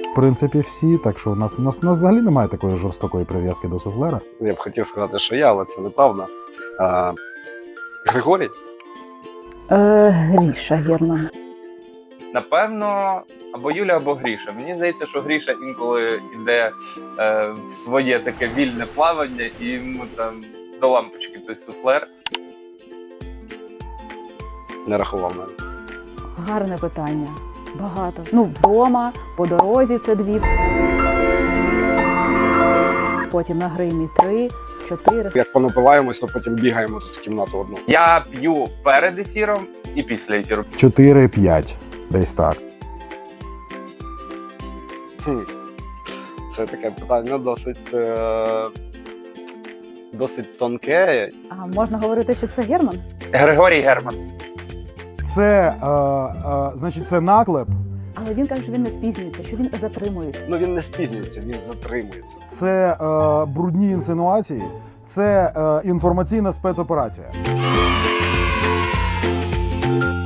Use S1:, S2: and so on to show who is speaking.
S1: в принципі, всі. Так що у нас взагалі немає такої жорстокої прив'язки до суфлера.
S2: Я б хотів сказати, що я, але це неправда. Григорій?
S3: Гріша Герман.
S4: Напевно, або Юля, або Гріша. Мені здається, що Гріша інколи йде в своє таке вільне плавання, і йому там до лампочки той суфлер.
S2: Не рахував навіть.
S3: Гарне питання. Багато. Ну, вдома, по дорозі це 2. Потім на гримі 3, 4.
S2: Як понапиваємось, то потім бігаємо в кімнату одну.
S4: Я п'ю перед ефіром і після ефіру.
S1: 4-5, десь так.
S2: Це таке питання досить тонке.
S3: А можна говорити, що це Герман?
S4: Григорій Герман.
S1: Це, значить, це наклеп.
S3: Але він каже, що він не спізнюється, що він затримується.
S2: Ну він не спізнюється, він затримується.
S1: Це брудні інсинуації, це інформаційна спецоперація.